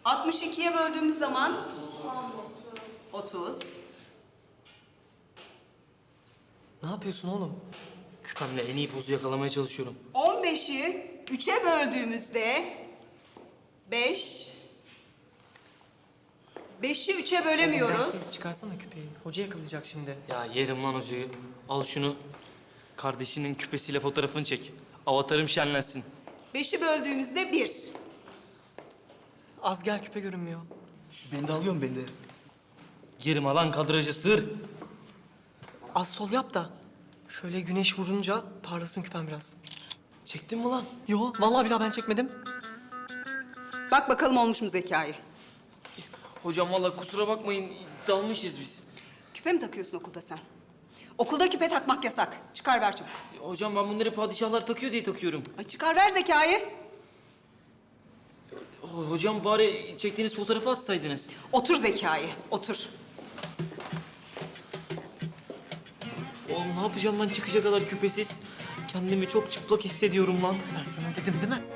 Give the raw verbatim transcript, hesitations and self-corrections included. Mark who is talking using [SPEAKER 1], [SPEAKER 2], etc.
[SPEAKER 1] altmış ikiye böldüğümüz zaman otuz.
[SPEAKER 2] Ne yapıyorsun oğlum? Küpemle en iyi pozu yakalamaya çalışıyorum.
[SPEAKER 1] on beşi üçe böldüğümüzde beş. beşi üçe bölemiyoruz.
[SPEAKER 2] Dersiz çıkarsana küpeyi. Hoca yakalayacak şimdi. Ya yerim lan hocayı. Al şunu. Kardeşinin küpesiyle fotoğrafını çek. Avatarım şenlensin.
[SPEAKER 1] beşi böldüğümüzde bir.
[SPEAKER 2] Az gel küpe görünmüyor.
[SPEAKER 3] Beni de alıyorsun beni de.
[SPEAKER 2] Yerim alan kadrajı sır.
[SPEAKER 4] Az sol yap da şöyle güneş vurunca parlasın küpen biraz.
[SPEAKER 2] Çektin mi lan?
[SPEAKER 4] Yo, vallahi billahi ben çekmedim.
[SPEAKER 1] Bak bakalım olmuş mu Zekai?
[SPEAKER 2] Hocam vallahi kusura bakmayın dalmışız biz.
[SPEAKER 1] Küpe mi takıyorsun okulda sen? Okulda küpe takmak yasak. Çıkar ver çabuk.
[SPEAKER 2] Hocam ben bunları padişahlar takıyor diye takıyorum.
[SPEAKER 1] Ay çıkar ver Zekai.
[SPEAKER 2] Ho- Hocam bari çektiğiniz fotoğrafı atsaydınız.
[SPEAKER 1] Otur Zekai, otur.
[SPEAKER 2] Oğlum ne yapacağım ben çıkacak kadar küpesiz? Kendimi çok çıplak hissediyorum lan.
[SPEAKER 4] Ben sana dedim değil mi?